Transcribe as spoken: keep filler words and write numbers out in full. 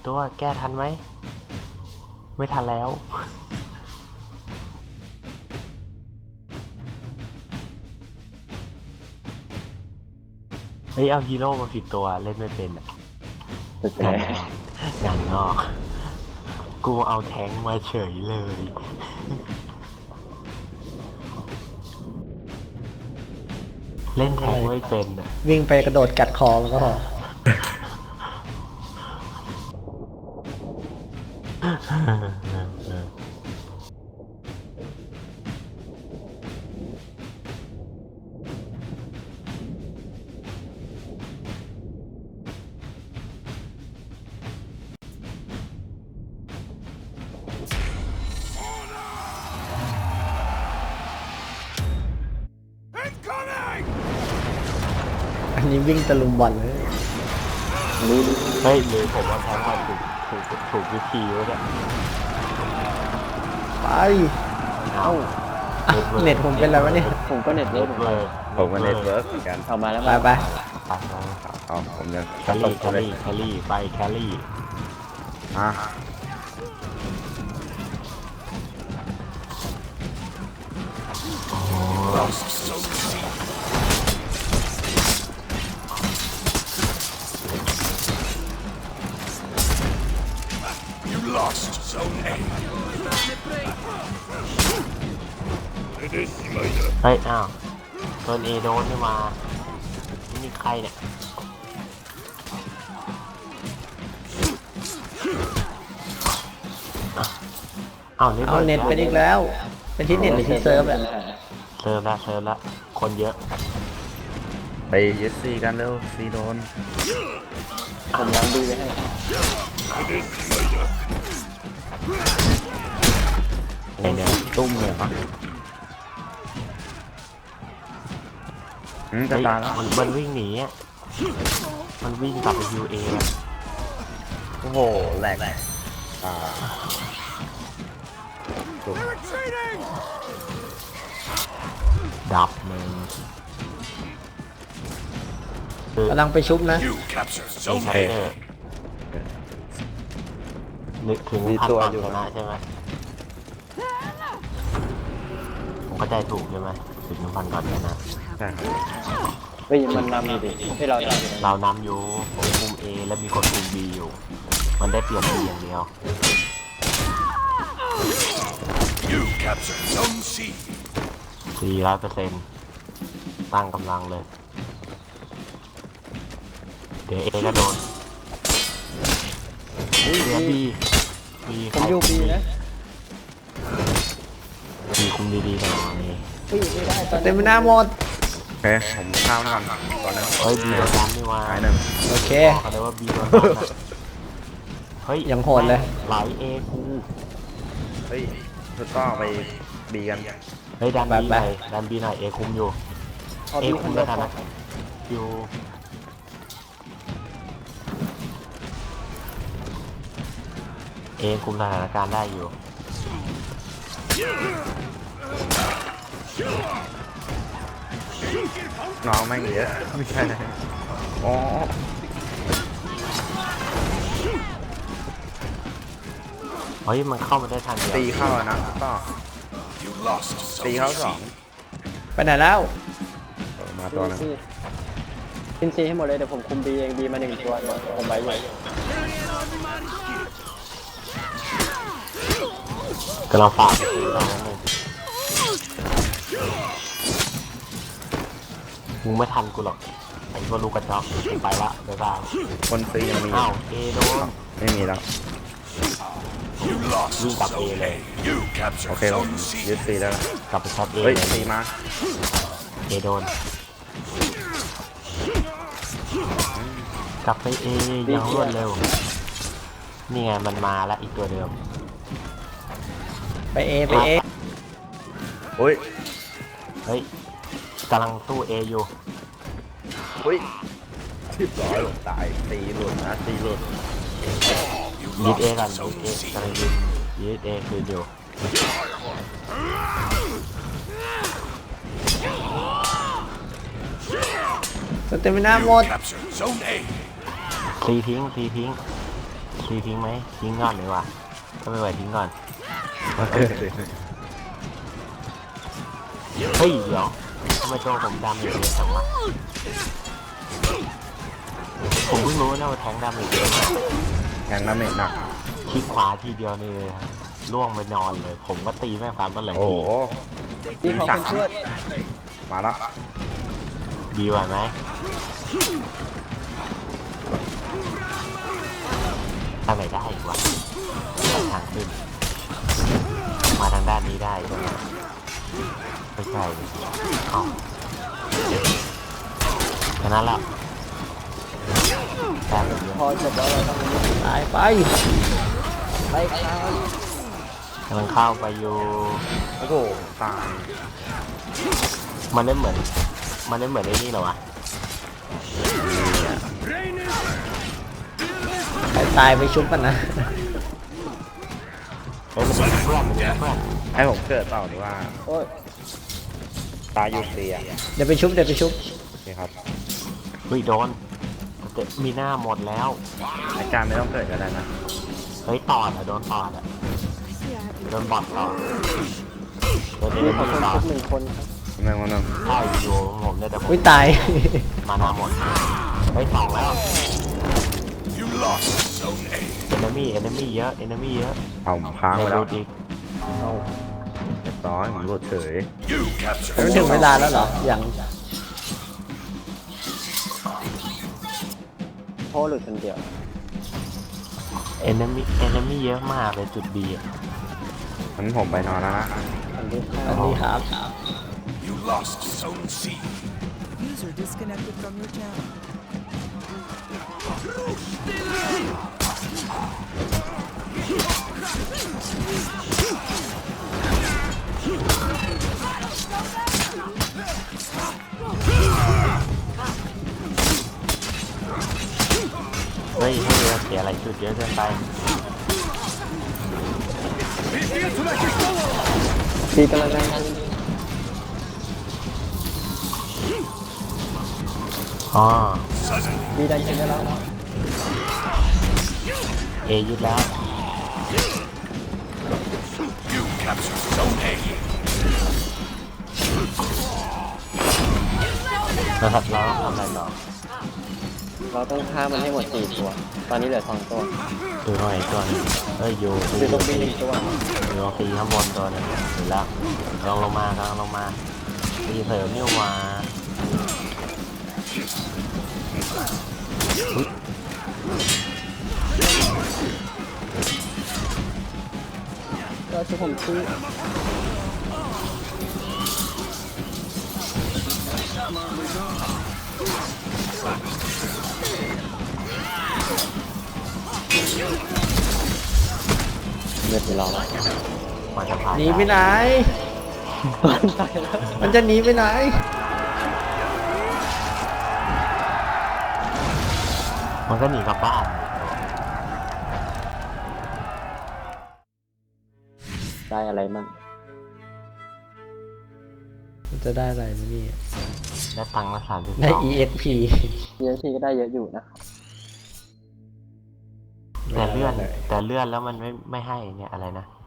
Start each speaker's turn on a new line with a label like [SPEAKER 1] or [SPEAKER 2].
[SPEAKER 1] ตัวแก้ทันไหมไม่ทันแล้วเฮ้ยเอาฮีโร่มาผิดตัวเล่นไม่เป็นอ่ะงานงานนอกกูเอาแทงมาเฉยเลยเล่นแทงไม่เป็นอ่ะ
[SPEAKER 2] วิ่งไปกระโดดกัดคอแล้วก็พออันนี้วิ่งตะลุมบอลเลย
[SPEAKER 1] เฮ้ยหรือผมว่าแทงมาถูกถูกถูกวิธีวะเนี่ย
[SPEAKER 2] ไปเอ้าเน็ตผมเป็นอะไรวะเนี่ย
[SPEAKER 3] ผมก็เน็ตเวิร์ก
[SPEAKER 4] ผมก็เน็ตเวิร์กเหมือนกัน
[SPEAKER 3] เอามาแล้ว
[SPEAKER 2] ไปไป
[SPEAKER 4] เอาผมยัง
[SPEAKER 1] แคลรี่แคลรี่แคลรี่ไปแคลรี่
[SPEAKER 4] อ่ะ
[SPEAKER 1] เฮ้ยอ้าวโดนเอโดนไม่มานี่ใครเนี่ยเอาเน็ต
[SPEAKER 2] เอาเน็ตเป็นอีกแล้วเป็นที่เน็ตหรือที่เซิร์ฟอะ
[SPEAKER 1] เซิร์ฟละเซิร์ฟละคนเยอะ
[SPEAKER 4] ไปยึดซีกันเร็วซีโดน
[SPEAKER 3] ผมยังดูไปให้
[SPEAKER 1] เนี่ยตุ้มเนี่ยปะ
[SPEAKER 4] อืมจะตายแล้ว
[SPEAKER 1] มันมันวิ่งหนีอ่ะมันวิ่งกลับไปยูเอ
[SPEAKER 4] โอ้โหแหลกอ่า
[SPEAKER 1] ดับมึง
[SPEAKER 2] กำลังไปชุบนะ
[SPEAKER 1] ใช่นึกถึงพันก่อนชนะใช่ไหมผมก็ใจถูกใช่ไหมถึงพันก่อนชนะ
[SPEAKER 4] ใช่
[SPEAKER 3] เฮ้ยมันนำอยู่ดิให้เรา
[SPEAKER 1] เรานำอยู่ผมคุม A และมีคนคุม B อยู่มันได้เปลี่ยน B อย่างเดียวสี่ร้อยเปอร์เซ็นต์ตั้งกำลังเลยเดี๋ยว A ก็โดนเดี๋ยว B B
[SPEAKER 3] ผมอยู่ B นะ
[SPEAKER 1] B คุมดีๆหน่อยนี่
[SPEAKER 2] เต็มหน้าหมด
[SPEAKER 4] โอเคผมข้าวก่อนก่อนนะ
[SPEAKER 1] เฮ้ย B โดนดันไม่ว่า
[SPEAKER 4] หายหนึ่ง
[SPEAKER 2] โอเค
[SPEAKER 1] บอกเลยว่า B โดนดันเฮ้ย
[SPEAKER 2] ยังโหดเลย
[SPEAKER 1] ไหล A กู
[SPEAKER 4] เฮ้ยสุดต้องไป B กัน
[SPEAKER 1] เฮ้ยดัน B หน่อยดัน B หน่อย A คุมอยู่ A คุมแล้วกันนะอยู่เอคุมสถานการณ์ได้อยู่
[SPEAKER 4] น้องแม่งเยอะไม่ใช่เลยอ๋อ
[SPEAKER 1] เฮ้ยมันเข้ามาได้ทันเดียว
[SPEAKER 4] ตีเข้านะต่อตีเข้าสอง
[SPEAKER 2] ไปไหนแล้ว
[SPEAKER 4] มาตัวนึง
[SPEAKER 3] กินซีให้หมดเลยเดี๋ยวผมคุม B เอง B มาหนึ่งตัวผมไปอยู่
[SPEAKER 1] กำลังฝากไปตีเราเลยมึงไม่ทันกูหรอกไอ้พวกลูกกระจอกกูไปละบ๊ายบาย
[SPEAKER 4] คนซียังมี
[SPEAKER 1] อ้าวเอโดน
[SPEAKER 4] ไม่มีแล้ว
[SPEAKER 1] วิ่งกลับเอเลย
[SPEAKER 4] โอเคเรายึดซีแล้ว
[SPEAKER 1] กลับไปช็อตเอ
[SPEAKER 4] เฮ้ยซีมา
[SPEAKER 1] เอโดนกลับไปเอยังรวดเร็วนี่ไงมันมาแล้วอีกตัวเดิม
[SPEAKER 2] ไปเอไปเอ
[SPEAKER 4] โอ้ย
[SPEAKER 1] เฮ้ยกำลังตู้เออยู่
[SPEAKER 4] เฮ้ยทิบร้อยหลงตายตีหลุดนะตีหลุด
[SPEAKER 1] ยึดเอกันยึดเอกำลังยึดยึดเอคืออยู่
[SPEAKER 2] สเตมิน่าหมด
[SPEAKER 1] ทีทิ้งทีทิ้งทีทิ้งไหมทิ้งก่อนเลยว่ะถ้าไม่ไหวทิ้งก่อน
[SPEAKER 4] มาเกิดเลย
[SPEAKER 1] เฮ้ยเดี๋ยวทำไมตัวผมดำอย่างนี้จังวะผมเพิ่งรู้นะว่าแทงดำอย่างนี้
[SPEAKER 4] แทงน้ำเม็ดหนัก
[SPEAKER 1] คลิกขวาทีเดียวนี่ล่วงไปนอนเลย ผมก็ตีแม่งฟ้าต้นไหล
[SPEAKER 4] โอ้
[SPEAKER 1] ที
[SPEAKER 4] โห
[SPEAKER 3] พี่ขอคนช่วย
[SPEAKER 4] มาละ
[SPEAKER 1] ดีกว่าไหมทางไหนได้อีกวะทางขึ้น มาทางด้านนี้ได้ใช่ไหมไม่ใช่เอ้าแค่นั้นแหละแค่แบบนี้
[SPEAKER 3] พอจบแล้วเราต้อง
[SPEAKER 2] ตายไป
[SPEAKER 3] ไปครับ
[SPEAKER 1] กำลังเข้าไปอยู่
[SPEAKER 4] โอ้โหตาย
[SPEAKER 1] มันได้เหมือน มันได้เหมือนไอ้นี่เหรอวะ
[SPEAKER 2] ใครตายไปชุบกันนะ
[SPEAKER 1] เฮ้ยมันเป็นเพื่อนมันเป็นเพื่อน
[SPEAKER 4] ให้ผมเกิดเปล่าดีว่า
[SPEAKER 3] โอ้ย
[SPEAKER 4] ตายอยู่เตีย
[SPEAKER 2] เดี๋ยวไปชุบเดี๋ยวไปชุบ
[SPEAKER 4] โอเคครับ
[SPEAKER 1] เฮ้ยโดนแต่มีหน้าหมดแล้ว
[SPEAKER 4] อาจารย์ไม่ต้องเกิดก็ได้นะ
[SPEAKER 1] เฮ้ยตอดอะโดนตอดอะโดนบอดตอดโดนเอ
[SPEAKER 3] พี่
[SPEAKER 1] เน
[SPEAKER 3] ขอ
[SPEAKER 1] มี
[SPEAKER 3] คน
[SPEAKER 1] ตอ
[SPEAKER 3] ชุ
[SPEAKER 1] ด
[SPEAKER 3] บหนึ่งคนครับ
[SPEAKER 4] แม่งวันนึง
[SPEAKER 1] ใช่อยู่ผมเนี่ยแต่ผม
[SPEAKER 2] อุ้ยตาย
[SPEAKER 1] มานาหมดเฮ้ยสองแล้วเอนมี่เอนมี่เยอะเอนมี่เยอะ
[SPEAKER 4] เอาผมค้างไว้แล้ว
[SPEAKER 1] ดูดิ
[SPEAKER 4] เอาเรียบร้อยผมหลุดเฉย
[SPEAKER 2] มันถึงเวลาแล้วเหรออย่าง
[SPEAKER 3] โพหลุดคนเดียว
[SPEAKER 1] เอนมี่เอนมี่เยอะมากเลยจุดดีอะ
[SPEAKER 4] งั้นผมไปนอนแล้วนะ
[SPEAKER 3] อันที่
[SPEAKER 2] อันนี้ครับ
[SPEAKER 5] You lost Zone C.
[SPEAKER 6] User disconnected from your channel.
[SPEAKER 1] เฮ้ยให้เราเสียอะไรจุดเยอะเกินไป
[SPEAKER 3] พี่กำลังนั่ง
[SPEAKER 1] อ๋อ
[SPEAKER 3] พี่ได้ยินได้แล้ว
[SPEAKER 1] เอยึดแล้ว
[SPEAKER 5] You captured Zone A.
[SPEAKER 1] นะครับเราต้องทำอะไรต่อ
[SPEAKER 3] เราต้องฆ่ามันให้หมดสี่ตัว ตอนนี้เหลือสองตัว
[SPEAKER 1] ดูหน่อยตัวหนึงเอ้ยอยู่
[SPEAKER 3] อยู่ตรงบีหนึ่งตัว
[SPEAKER 1] อยู่ตรงซีข้างบนตัวหนึงเห็นแล้วลองลงมากำลังลงมาตีเสริมนี่หว่า
[SPEAKER 3] ก็ช่วยผมชี้เลือดไปรอแล้ว
[SPEAKER 1] มันจะผ่าน
[SPEAKER 2] หนีไปไหน
[SPEAKER 3] ตายแล้ว
[SPEAKER 2] มันจะหนีไปไหน
[SPEAKER 1] มันก็หนีกลับบ้าน
[SPEAKER 3] ได้อะไรมั่ง
[SPEAKER 2] มันจะได้อะไรมั้ยเนี่ย
[SPEAKER 1] ได้ตังค์มาสามสิบ
[SPEAKER 2] ได้
[SPEAKER 1] สอง
[SPEAKER 2] อี เอ็ก พี
[SPEAKER 3] เยอะทีก็ได้เยอะอยู่นะ
[SPEAKER 1] แต่เลื่อนแต่เลื่อนแล้วมันไม่ไม่ให้เนี่ยอะไรนะ